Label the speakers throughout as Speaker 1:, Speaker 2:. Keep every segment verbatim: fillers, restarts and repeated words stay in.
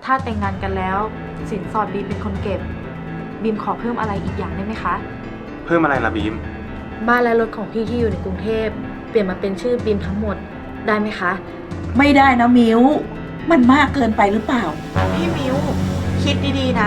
Speaker 1: ถ้าแต่งงานกันแล้วสินสอดบีมเป็นคนเก็บบีมขอเพิ่มอะไรอีกอย่างได้ไหมคะ
Speaker 2: เพิ่มอะไรล่ะบีม
Speaker 1: บ้านและรถของพี่ที่อยู่ในกรุงเทพเปลี่ยนมาเป็นชื่อบีมทั้งหมดได้ไหมคะ
Speaker 3: ไม่ได้นะมิวมันมากเกินไปหรือเปล่า
Speaker 4: พี่มิวคิดดีๆนะ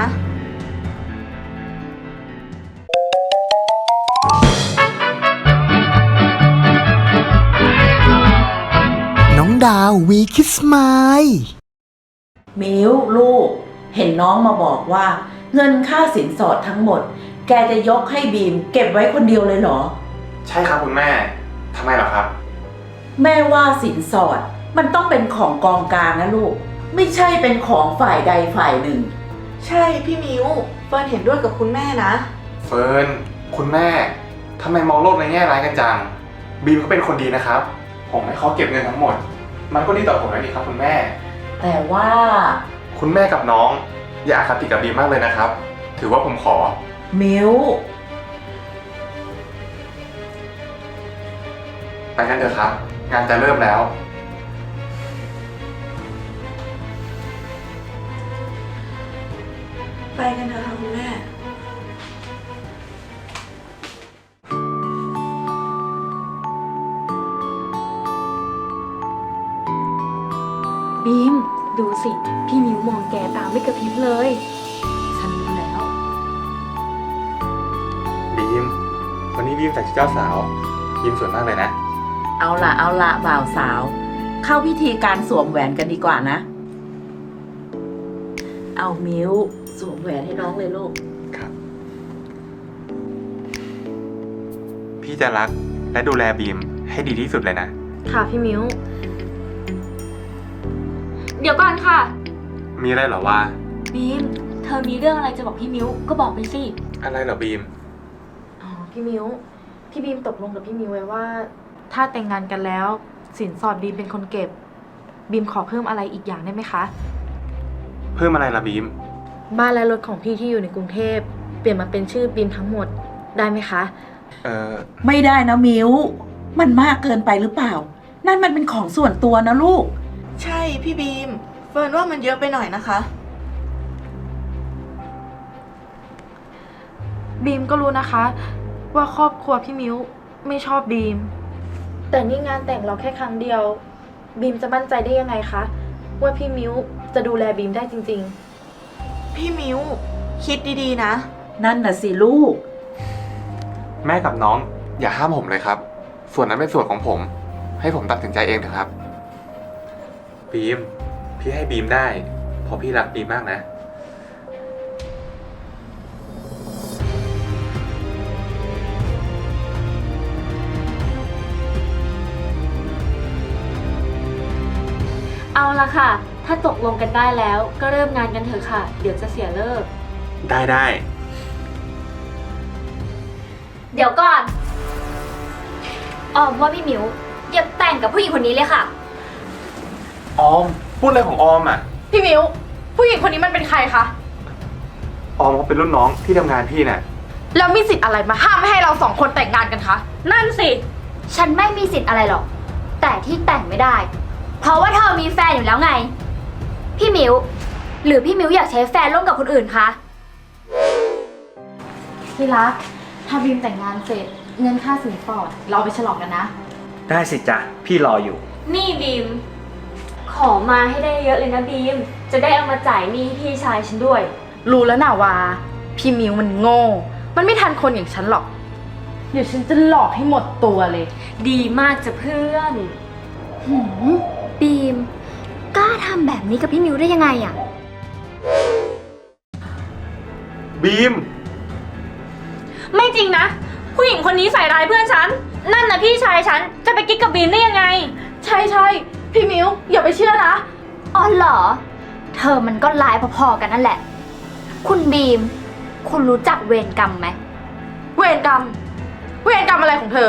Speaker 5: น้องดาววีคิสไมล์
Speaker 3: มิวลูกเห็นน้องมาบอกว่าเงินค่าสินสอดทั้งหมดแกจะยกให้บีมเก็บไว้คนเดียวเลยเหรอ
Speaker 2: ใช่ครับคุณแม่ทำไมเหรอครับ
Speaker 3: แม่ว่าสินสอดมันต้องเป็นของกองกลางนะลูกไม่ใช่เป็นของฝ่ายใดฝ่ายหนึ่ง
Speaker 4: ใช่พี่มิวเฟิร์นเห็นด้วยกับคุณแม่นะ
Speaker 2: เฟิร์นคุณแม่ทำไมมองโลกในแง่ร้ายกันจังบีมเขาเป็นคนดีนะครับผมให้เขาเก็บเงินทั้งหมดมันก็ดีต่อผมแล้วนี่ครับคุณแม่
Speaker 3: แต่ว่า
Speaker 2: คุณแม่กับน้องอย่าอคติกับบีมมากเลยนะครับถือว่าผมขอ
Speaker 3: มิว
Speaker 2: ไปกันเถอะครับงานจะเริ่มแล้ว
Speaker 4: ไปกันเถอะค่ะคุณแม่
Speaker 1: บีมดูสิพี่มิวมองแกตามไม่กระพริบเลยฉันรู้แล้ว
Speaker 2: บีมวันนี้บีมใส่ชุดเจ้าสาวบีมสวยมากเลยนะ
Speaker 3: เอาละเอาละบ่าวสาวเข้าพิธีการสวมแหวนกันดีกว่านะเอามิวสวมแหวนให้น้องเลยลูก
Speaker 2: ครับพี่จะรักและดูแลบีมให้ดีที่สุดเลยนะ
Speaker 1: ค่ะพี่มิวเดี๋ยวก่อนค่ะ
Speaker 2: มีอะไรเหรอวะ
Speaker 1: บีมเธอมีเรื่องอะไรจะบอกพี่มิวก็บอกไปสิ
Speaker 2: อะไรเหรอบีม
Speaker 1: อ๋อพี่มิวพี่บีมตกลงกับพี่มิวไว้ว่าถ้าแต่งงานกันแล้วสินสอดบีมเป็นคนเก็บบีมขอเพิ่มอะไรอีกอย่างได้ไหมคะ
Speaker 2: เพิ่มอะไรล่ะบีม
Speaker 1: บ้านและรถของพี่ที่อยู่ในกรุงเทพเปลี่ยนมาเป็นชื่อบีมทั้งหมดได้ไหมคะ
Speaker 2: เออ
Speaker 3: ไม่ได้นะมิวมันมากเกินไปหรือเปล่านั่นมันเป็นของส่วนตัวนะลูก
Speaker 4: ใช่พี่บีมเฟิร์นว่ามันเยอะไปหน่อยนะคะ
Speaker 1: บีมก็รู้นะคะว่าครอบครัวพี่มิวไม่ชอบบีมแต่นี่งานแต่งเราแค่ครั้งเดียวบีมจะมั่นใจได้ยังไงคะว่าพี่มิวจะดูแลบีมได้จริง
Speaker 4: ๆพี่มิวคิดดีๆนะ
Speaker 3: นั่นน่ะสิลูก
Speaker 2: แม่กับน้องอย่าห้ามผมเลยครับส่วนนั้นเป็นส่วนของผมให้ผมตัดสินใจเองเถอะครับบีมพี่ให้บีมได้เพราะพี่รักบีมมากนะ
Speaker 1: เอาละค่ะถ้าตกลงกันได้แล้วก็เริ่มงานกันเถอะค่ะเดี๋ยวจะเสียเลิก
Speaker 2: ได้ได้
Speaker 6: เดี๋ยวก่อนออมว่าพี่มิวอย่าแต่งกับผู้หญิงคนนี้เลยค่ะ
Speaker 2: ออมพูดอะไรของออมอ่ะ
Speaker 1: พี่มิวผู้หญิงคนนี้มันเป็นใครคะ
Speaker 2: ออมเขาเป็นรุ่นน้องที่ทำงานพี่น่ะ
Speaker 1: แล้วมีสิทธิ์อะไรมาห้ามไม่ให้เราสองคนแต่งงานกันคะนั่นสิ
Speaker 6: ฉันไม่มีสิทธิ์อะไรหรอกแต่ที่แต่งไม่ได้เพราะว่าเธอมีแฟนอยู่แล้วไงพี่มิวหรือพี่มิวอยากใช้แฟนร่วมกับคนอื่นคะ
Speaker 1: พี่รักถ้าบีมแต่งงานเสร็จเงินค่าสินสอดเราไปฉลองกันนะ
Speaker 7: ได้สิจ๊ะพี่รออยู่
Speaker 6: นี่บีมขอมาให้ได้เยอะเลยนะบีมจะได้เอามาจ่ายหนี้พี่ชายฉันด้วย
Speaker 1: รู้แล้วนะว่าพี่มิวมันโง่มันไม่ทันคนอย่างฉันหรอกเดี๋ยวฉันจะหลอกให้หมดตัวเลย
Speaker 6: ดีมากจ้ะเพื่อนหืมบีมกล้าทำแบบนี้กับพี่มิวได้ยังไงอะ
Speaker 2: บีม
Speaker 6: ไม่จริงนะผู้หญิงคนนี้ใส่ร้ายเพื่อนฉันนั่นนะพี่ชายฉันจะไปกิ๊กกับบีมได้ยังไง
Speaker 1: ใช่ใช่พี่มิวอย่าไปเชื่อนะ
Speaker 6: อ๋อเหรอเธอมันก็ร้ายพอๆกันนั่นแหละคุณบีมคุณรู้จักเวรกรรมไหม
Speaker 1: เวรกรรมเวรกรรมอะไรของเธอ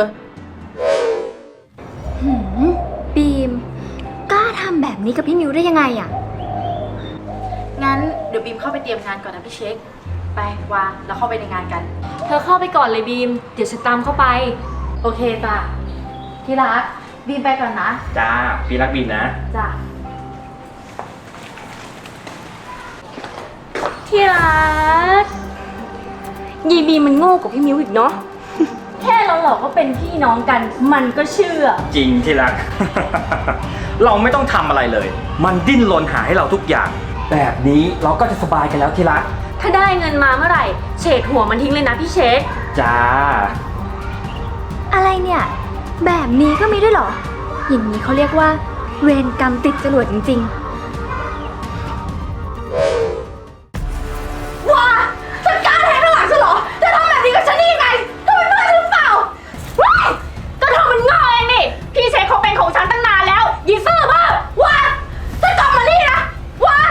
Speaker 6: หืมบีมกล้าทำแบบนี้กับพี่มิวได้ยังไงอะ
Speaker 1: งั้นเดี๋ยวบีมเข้าไปเตรียมงานก่อนนะพี่เช็คไปวาแล้วเข้าไปในงานกัน
Speaker 6: เธอเข้าไปก่อนเลยบีมเดี๋ยวฉันตามเข้าไป
Speaker 1: โอเคจ้ะที่รักบีมไปก่อนนะ
Speaker 7: จ้าพี่รักบีมนะ
Speaker 1: จ้ะ
Speaker 6: ที่รักยีบีมันโง่กว่าพี่มิวอีกเนาะ แค่เราหลอกว่าเป็นพี่น้องกัน มันก็เชื่อ
Speaker 7: จริงที่รัก เราไม่ต้องทำอะไรเลย มันดิ้นรนหาให้เราทุกอย่าง แบบนี้เราก็จะสบายกันแล้วที่รัก
Speaker 6: ถ้าได้เงินมาเมื่อไหร่เฉดหัวมันทิ้งเลยนะพี่เช็ค
Speaker 7: จ้า
Speaker 6: อะไรเนี่ย แบบนี้ก็มีด้วยเหรอ อย่างนี้เขาเรียกว่าเวรกรรมติดจรวดจริงๆว้าจัดการแทนข้างหลังฉันเหรอจะทำแบบนี้กับฉันได้ยังไงเธอเป็นเพื่อนฉันหรือเปล่าว้ายก็เธอมันง่อยเองนี่พี่เช็คเขาเป็นของฉันตั้งนานแล้วยีซื่อบ้าว้าจะกลับมานี่นะว้า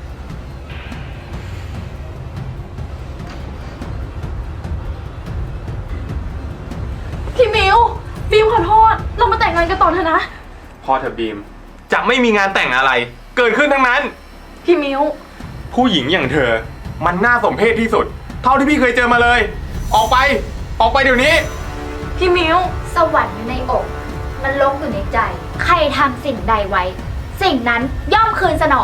Speaker 1: พี่มิวบีมขอโทษ เรามาแต่งงานกันต่อเถอะนะ
Speaker 2: พอเถอะบีม จะไม่มีงานแต่งอะไร เกิดขึ้นทั้งนั้น
Speaker 1: พี่มิว
Speaker 2: ผู้หญิงอย่างเธอ มันน่าสมเพชที่สุด เท่าที่พี่เคยเจอมาเลย ออกไป ออกไปเดี๋ยวนี้
Speaker 1: พี่มิว
Speaker 6: สวรรค์อยู่ในอกนรกอยู่ในใจ ใครทำสิ่งใดไว้ สิ่งนั้นย่อมคืนสนอง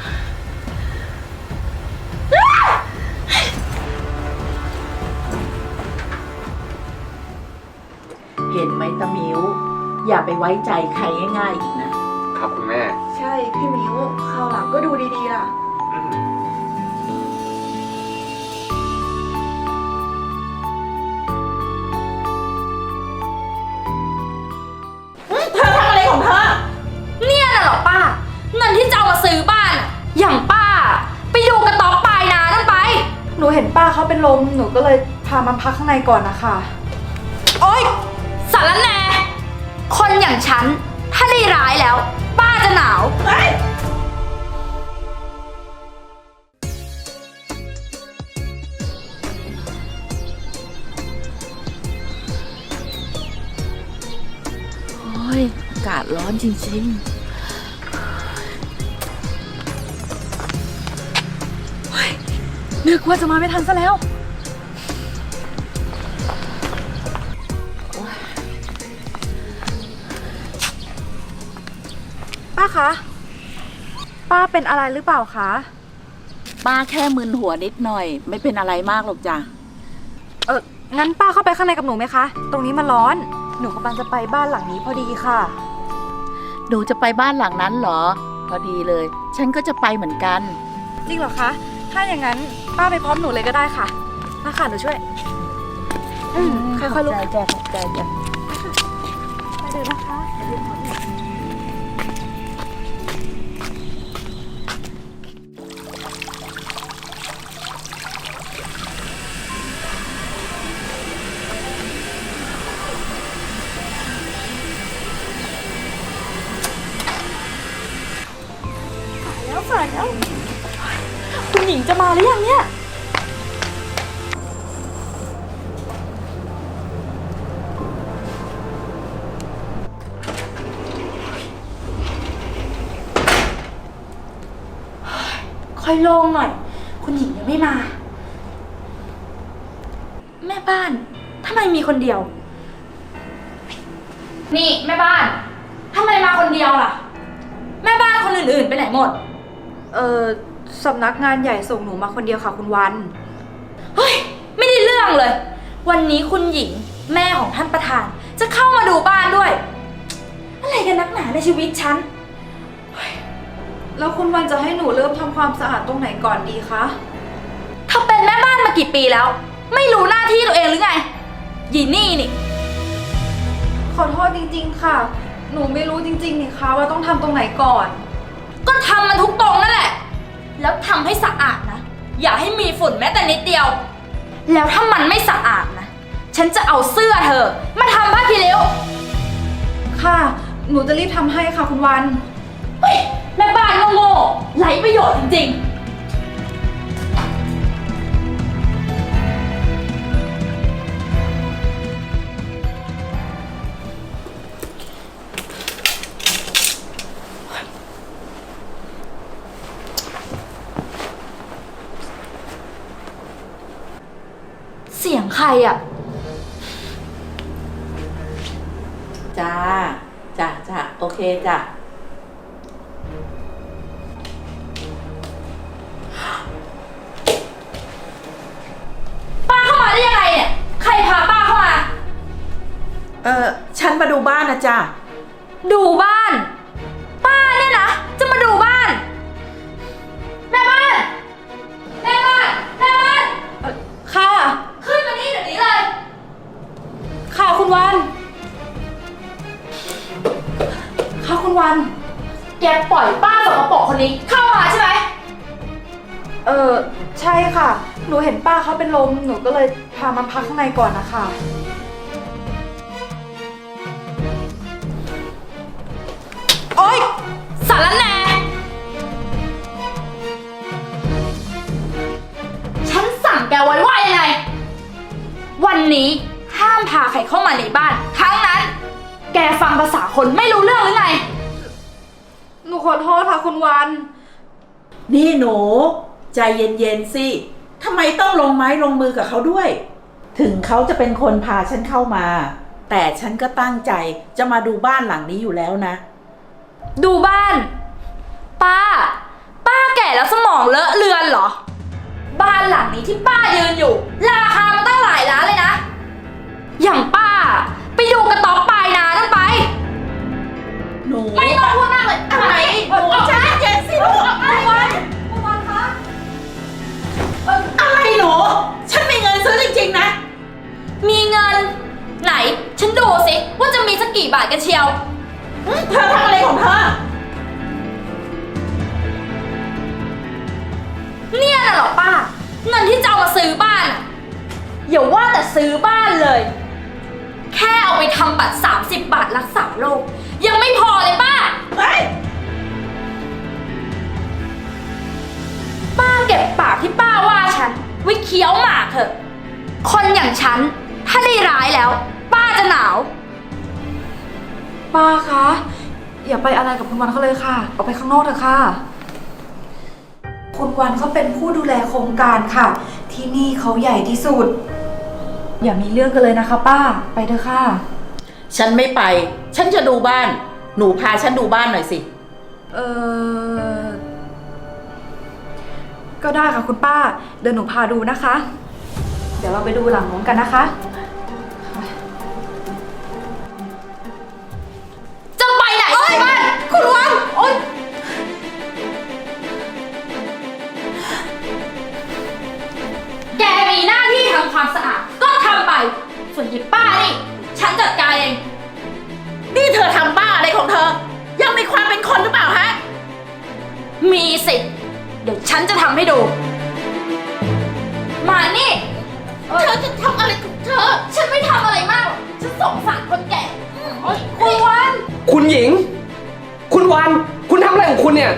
Speaker 3: เห็นไหมตะมิว อย่าไปไว้ใจใครง่ายๆอีกนะ
Speaker 2: ครับคุณแม่
Speaker 4: ใช่พี่มิวคราวหลังก็ดูดีๆล่ะ
Speaker 2: อืม
Speaker 3: เธอทำอะไรของเธอ
Speaker 6: เนี่ยน่ะเหรอป้า เงินที่จะเอามาซื้อบ้านอะอย่างป้า ไปดูกระต๊อบปลายนานั่นไป
Speaker 1: หนูเห็นป้าเขาเป็นลม หนูก็เลยพามาพักข้างในก่อนนะคะ
Speaker 6: โอ๊ยสารแหน่คนอย่างฉัน ถ้าได้ร้ายแล้ว ป้าจะหนาว
Speaker 3: โอ้ยอากาศร้อนจริงๆ
Speaker 1: นึกว่าจะมาไม่ทันซะแล้ว ป้าคะ ป้าเป็นอะไรหรือเปล่าคะ
Speaker 3: ป้าแค่มึนหัวนิดหน่อย ไม่เป็นอะไรมากหรอกจ้ะ
Speaker 1: เอองั้นป้าเข้าไปข้างในกับหนูไหมคะ ตรงนี้มันร้อน หนูกำลังจะไปบ้านหลังนี้พอดีค่ะ
Speaker 3: หนูจะไปบ้านหลังนั้นเหรอ พอดีเลย ฉันก็จะไปเหมือนกัน
Speaker 1: จริงเหรอคะ ถ้าอย่างนั้นป้าไปพร้อมหนูเลยก็ได้ค่ะมาค่ะหนูช่วย อืมค่อยๆลุก
Speaker 3: ใจจ้ะขอบใจจ้ะ
Speaker 1: ไปเลยนะคะ แล้วสายแล้ว คุณหญิงจะมาหรือยังเนี่ย ค่อยโล่งหน่อย คุณหญิงยังไม่มา แม่บ้านทำไมมีคนเดียว
Speaker 6: นี่แม่บ้าน ทำไมมาคนเดียวล่ะ แม่บ้านคนอื่นๆไปไหนหมด
Speaker 1: เออสำนักงานใหญ่ส่งหนูมาคนเดียวค่ะคุณวัน
Speaker 6: เฮ้ย ไม่ได้เรื่องเลย วันนี้คุณหญิงแม่ของท่านประธาน จะเข้ามาดูบ้านด้วย อะไรกันนักหนาในชีวิตฉัน
Speaker 1: แล้วคุณวันจะให้หนูเริ่มทำความสะอาดตรงไหนก่อนดีคะ
Speaker 6: เธอเป็นแม่บ้านมากี่ปีแล้ว ไม่รู้หน้าที่ตัวเองหรือไงยีนี่นี่
Speaker 1: ขอโทษจริงๆค่ะ หนูไม่รู้จริงๆนี่คะว่าต้องทำตรงไหนก่อน
Speaker 6: ก็ทำมันทุกตรงนั่นแหละ แล้วทำให้สะอาดนะ อย่าให้มีฝุ่นแม้แต่นิดเดียว แล้วถ้ามันไม่สะอาดนะ ฉันจะเอาเสื้อเธอ มาทำผ้าคีริ้ว
Speaker 1: ค่ะ หนูจะรีบทำให้ค่ะคุณวัน
Speaker 6: เฮ้ยแม่บ้านโง่ๆไร้ประโยชน์จริงๆ เสียงใครอ่ะ
Speaker 3: จ้า จ้าจ้าโอเคจ้ะ
Speaker 6: น
Speaker 3: เออฉันมาดูบ้านนะจ๊ะ
Speaker 6: ดูบ้าน ป้าเนี่ยนะ จะมาดูบ้าน แม่บ้าน แม่บ้าน แม่บ้าน
Speaker 1: ค่ะ
Speaker 6: ขึ้นมานี่เดี๋ยวนี้เลย
Speaker 1: ค่ะคุณวัน ค่ะคุณวัน
Speaker 6: แกปล่อยป้าสกปรกคนนี้เข้ามาใช่ไหม
Speaker 1: เออใช่ค่ะ หนูเห็นป้าเขาเป็นลม หนูก็เลยพามาพักข้างในก่อนนะคะ
Speaker 6: โอ๊ยสารแหน่ฉันสั่งแกไว้ว่ายังไง วันนี้ห้ามพาใครเข้ามาในบ้านทั้งนั้น แกฟังภาษาคนไม่รู้เรื่องหรือไง
Speaker 1: หนูขอโทษค่ะคุณวัน
Speaker 3: นี่หนู ใจเย็นๆสิทำไมต้องลงไม้ลงมือกับเขาด้วย ถึงเขาจะเป็นคนพาฉันเข้ามา แต่ฉันก็ตั้งใจจะมาดูบ้านหลังนี้อยู่แล้วนะ
Speaker 6: ดูบ้าน ป้า ป้าแก่แล้วสมองเลอะเลือนเหรอ บ้านหลังนี้ที่ป้ายืนอยู่ ราคามันตั้งหลายล้านเลยนะ อย่างป้า ไปดูกระต๊อบปลายนานั่นไป
Speaker 3: หนู
Speaker 6: ไม่ต้องพูดมากเลยอะไร
Speaker 3: หนูใจเย็นสิลูก
Speaker 6: คุณวันคุณวันคะ
Speaker 3: อะไรหนู ฉันมีเงินซื้อจริงๆนะ
Speaker 6: มีเงิน ไหน ฉันดูสิว่าจะมีสักกี่บาทกันเชียว
Speaker 3: เธอทำอะไรของเธอ
Speaker 6: เนี่ยน่ะเหรอป้า เงินที่จะเอามาซื้อบ้านอะอย่าว่าแต่ซื้อบ้านเลย แค่เอาไปทำบัตรสามสิบบาทรักษาโรคยังไม่พอเลยป้า
Speaker 3: เฮ้ย
Speaker 6: ป้าเก็บปากที่ป้าว่าฉันไว้เคี้ยวหมากเถอะ คนอย่างฉัน ถ้าได้ร้ายแล้ว ป้าจะหนาว
Speaker 1: ป้าคะ อย่าไปอะไรกับคุณวันเขาเลยค่ะ ออกไปข้างนอกเถอะค่ะ คุณวันเขาเป็นผู้ดูแลโครงการค่ะ ที่นี่เขาใหญ่ที่สุด อย่ามีเรื่องกันเลยนะคะป้า ไปเถอะค่ะ
Speaker 3: ฉันไม่ไป ฉันจะดูบ้าน หนูพาฉันดูบ้านหน่อยสิ
Speaker 1: เออก็ได้ค่ะคุณป้า เดี๋ยวหนูพาดูนะคะ เดี๋ยวเราไปดูหลังน้องกันนะคะ
Speaker 6: จะไปไหนบ้านคุณวันโอ๊ยแกมีหน้าที่ทำความสะอาด ก็ทำไป ส่วนยิบป้านี่ ฉันจัดการเอง
Speaker 3: นี่เธอทำบ้าอะไรของเธอ ยังมีความเป็นคนหรือเปล่าฮะ
Speaker 6: มีสิเดี๋ยวฉันจะทำให้ดู มานี่ เธอจะทำอะไรของเธอ ฉันไม่ทำอะไรมากหรอกฉันสงสารคนแก่โอ๊ยคุณวัน
Speaker 7: คุณหญิง คุณวัน คุณทำอะไรของคุณเนี่ย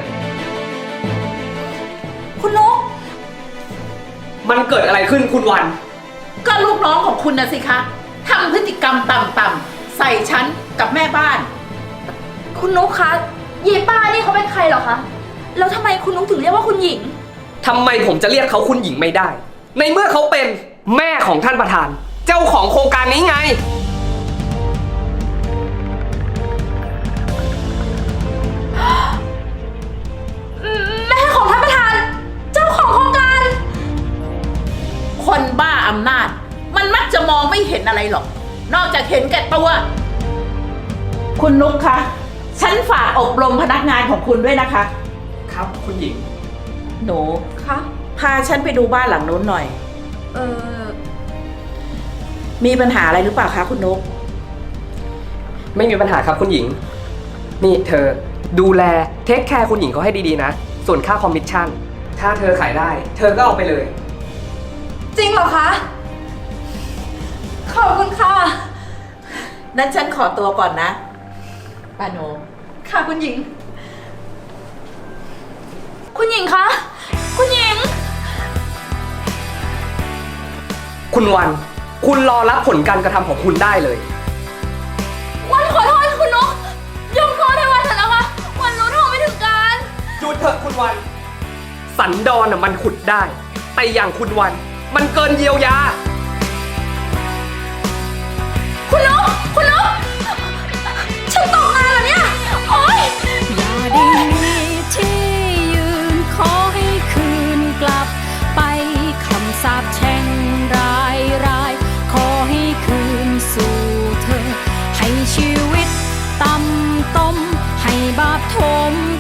Speaker 6: คุณนก
Speaker 7: มันเกิดอะไรขึ้นคุณวัน
Speaker 3: ก็ลูกน้องของคุณนะสิคะทำพฤติกรรมต่ำๆใส่ฉันกับแม่บ้าน
Speaker 6: คุณนุ๊กคะเยป้านี่เขาเป็นใครเหรอคะ แล้วทำไมคุณนุ๊กถึงเรียกว่าคุณหญิง
Speaker 7: ทำไมผมจะเรียกเขาคุณหญิงไม่ได้ ในเมื่อเขาเป็นแม่ของท่านประธาน เจ้าของโครงการนี้ไง
Speaker 6: แม่ของท่านประธาน เจ้าของโครงการ
Speaker 3: คนบ้าอำนาจ มันมักจะมองไม่เห็นอะไรหรอก นอกจากเห็นแก่ตัว คุณนุ๊กคะ ฉันฝากอบรมพนักงานของคุณด้วยนะคะ
Speaker 7: ครับคุณหญิง
Speaker 3: หนู
Speaker 1: คะ
Speaker 3: พาฉันไปดูบ้านหลังนู้นหน่อย
Speaker 1: เออ
Speaker 3: มีปัญหาอะไรหรือเปล่าคะคุณนุ๊ก
Speaker 7: ไม่มีปัญหาครับคุณหญิง นี่เธอดูแลเทคแคร์คุณหญิงเขาให้ดีๆนะ ส่วนค่าคอมมิชชั่น ถ้าเธอขายได้ เธอก็เอาไปเลย
Speaker 1: จริงเหรอคะ ขอบคุณค่ะ
Speaker 3: นั้นฉันขอตัวก่อนนะป้าโน
Speaker 1: ค่ะคุณหญิง
Speaker 6: คุณหญิงคะ คุณหญิง
Speaker 7: คุณวัน คุณรอรับผลการกระทำของคุณได้เลย
Speaker 6: วันขอโทษคุณนุ๊กยกโทษให้วันเถอะนะคะ วันรู้เท่าไม่ถึงการ
Speaker 7: หยุดเถอะคุณวัน สันดอนน่ะมันขุดได้ แต่อย่างคุณวัน มันเกินเยียวยา
Speaker 6: คุณนุ๊กคุณนุ๊กฉันตกงานเหรอเนี่ย โอ๊ย
Speaker 8: อย่าได้มีที่ยืนขอให้คืนกลับไปคำสาปแช่งรายรายขอให้คืนสู่เธอถม